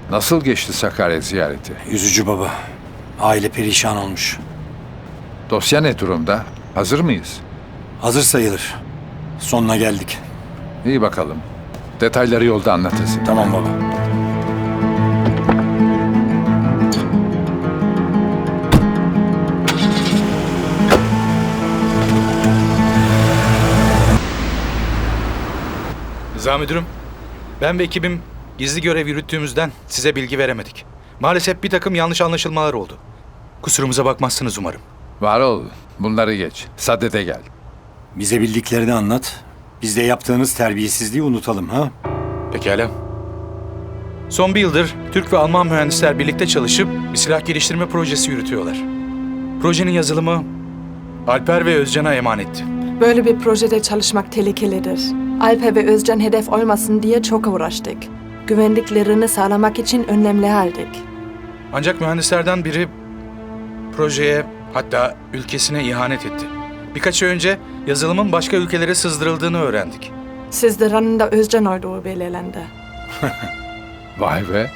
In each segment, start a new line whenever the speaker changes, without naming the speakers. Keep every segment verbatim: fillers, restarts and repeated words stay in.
Nasıl geçti Sakarya ziyareti?
Üzücü baba. Aile perişan olmuş.
Dosya ne durumda? Hazır mıyız?
Hazır sayılır. Sonuna geldik.
İyi bakalım. Detayları yolda anlatırsın.
Tamam baba.
Rıza müdürüm, ben ve ekibim gizli görev yürüttüğümüzden size bilgi veremedik. Maalesef bir takım yanlış anlaşılmalar oldu. Kusurumuza bakmazsınız umarım.
Var ol. Bunları geç. Sadede gel.
Bize bildiklerini anlat. Biz de yaptığınız terbiyesizliği unutalım ha?
Pekala. Son bir yıldır Türk ve Alman mühendisler birlikte çalışıp bir silah geliştirme projesi yürütüyorlar. Projenin yazılımı Alper ve Özcan'a emanetti.
Böyle bir projede çalışmak tehlikelidir. Alper ve Özcan hedef olmasın diye çok uğraştık. Güvenliklerini sağlamak için önlemler aldık.
Ancak mühendislerden biri projeye, hatta ülkesine ihanet etti. Birkaç ay önce yazılımın başka ülkelere sızdırıldığını öğrendik.
Sizlerin de Özcan olduğu belirlendi.
Vay be.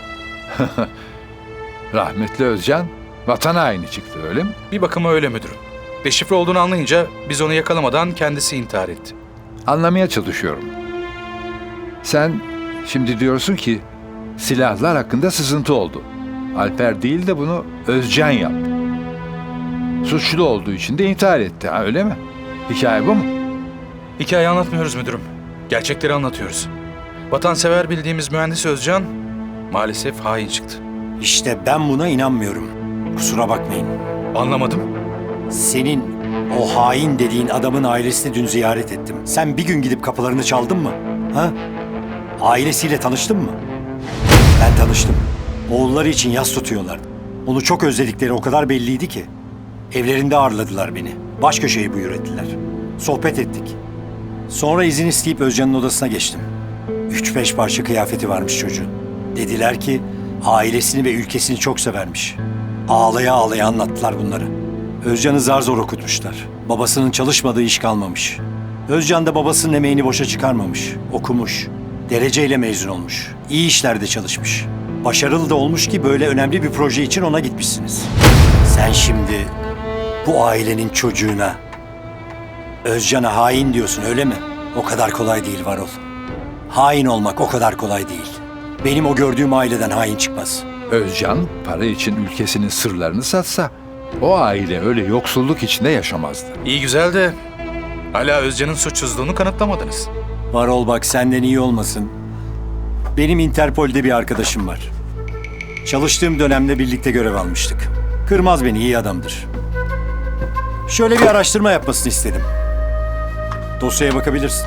Rahmetli Özcan vatan haini çıktı öyle mi?
Bir bakıma öyle müdürüm. Deşifre olduğunu anlayınca biz onu yakalamadan kendisi intihar etti.
Anlamaya çalışıyorum. Sen şimdi diyorsun ki silahlar hakkında sızıntı oldu. Alper değil de bunu Özcan yaptı. Suçlu olduğu için de intihar etti, ha, öyle mi? Hikaye bu mu?
Hikaye anlatmıyoruz müdürüm. Gerçekleri anlatıyoruz. Vatansever bildiğimiz mühendis Özcan maalesef hain çıktı.
İşte ben buna inanmıyorum. Kusura bakmayın.
Anlamadım.
Senin o hain dediğin adamın ailesini dün ziyaret ettim. Sen bir gün gidip kapılarını çaldın mı? Ha? Ailesiyle tanıştın mı? Ben tanıştım. Oğulları için yas tutuyorlardı. Onu çok özledikleri o kadar belliydi ki. Evlerinde ağırladılar beni. Baş köşeyi buyur ettiler. Sohbet ettik. Sonra izin isteyip Özcan'ın odasına geçtim. Üç beş parça kıyafeti varmış çocuğun. Dediler ki ailesini ve ülkesini çok severmiş. Ağlaya ağlaya anlattılar bunları. Özcan'ı zar zor okutmuşlar. Babasının çalışmadığı iş kalmamış. Özcan da babasının emeğini boşa çıkarmamış. Okumuş. Dereceyle mezun olmuş. İyi işlerde çalışmış. Başarılı da olmuş ki böyle önemli bir proje için ona gitmişsiniz. Sen şimdi bu ailenin çocuğuna Özcan'a hain diyorsun öyle mi? O kadar kolay değil Varol. Hain olmak o kadar kolay değil. Benim o gördüğüm aileden hain çıkmaz.
Özcan para için ülkesinin sırlarını satsa o aile öyle yoksulluk içinde yaşamazdı.
İyi güzel de hala Özcan'ın suçsuzluğunu kanıtlamadınız.
Varol bak senden iyi olmasın. Benim Interpol'de bir arkadaşım var. Çalıştığım dönemde birlikte görev almıştık. Kırmaz beni, iyi adamdır. Şöyle bir araştırma yapmasını istedim. Dosyaya bakabilirsin.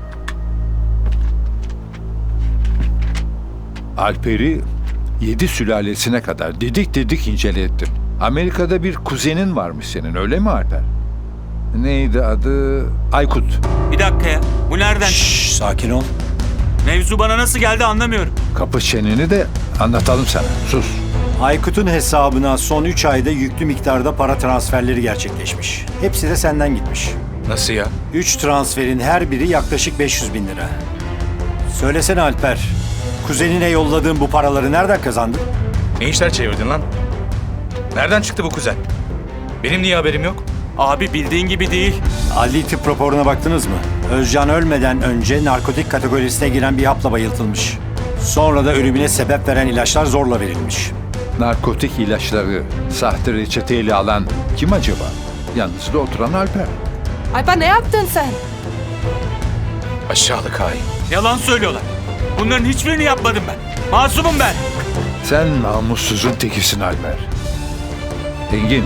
Alper'i yedi sülalesine kadar didik didik incelettim. Amerika'da bir kuzenin varmış senin, öyle mi Alper? Neydi adı? Aykut.
Bir dakika ya. Bu nereden?
Şşş, sakin ol.
Mevzu bana nasıl geldi anlamıyorum.
Kapı çeneni de anlatalım sana. Sus.
Aykut'un hesabına son üç ayda yüklü miktarda para transferleri gerçekleşmiş. Hepsi de senden gitmiş.
Nasıl ya?
Üç transferin her biri yaklaşık beş yüz bin lira. Söylesene Alper, kuzenine yolladığın bu paraları nereden kazandın?
Ne işler çevirdin lan? Nereden çıktı bu kuzen? Benim niye haberim yok?
Abi bildiğin gibi değil.
Adli tıp raporuna baktınız mı? Özcan ölmeden önce narkotik kategorisine giren bir hapla bayıltılmış. Sonra da ölümüne sebep veren ilaçlar zorla verilmiş.
Narkotik ilaçları sahte reçeteyle alan kim acaba? Yalnız da oturan Alper.
Alper ne yaptın sen?
Aşağılık hain.
Yalan söylüyorlar. Bunların hiçbirini yapmadım ben. Masumum ben.
Sen namussuzun tekisin Alper. Engin,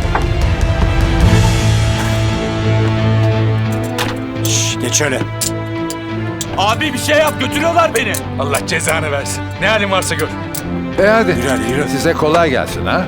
Şş, geç şöyle.
Abi bir şey yap, götürüyorlar beni.
Allah cezanı versin. Ne halin varsa gör.
e hadi.
Yürü hadi, yürü.
Size kolay gelsin ha.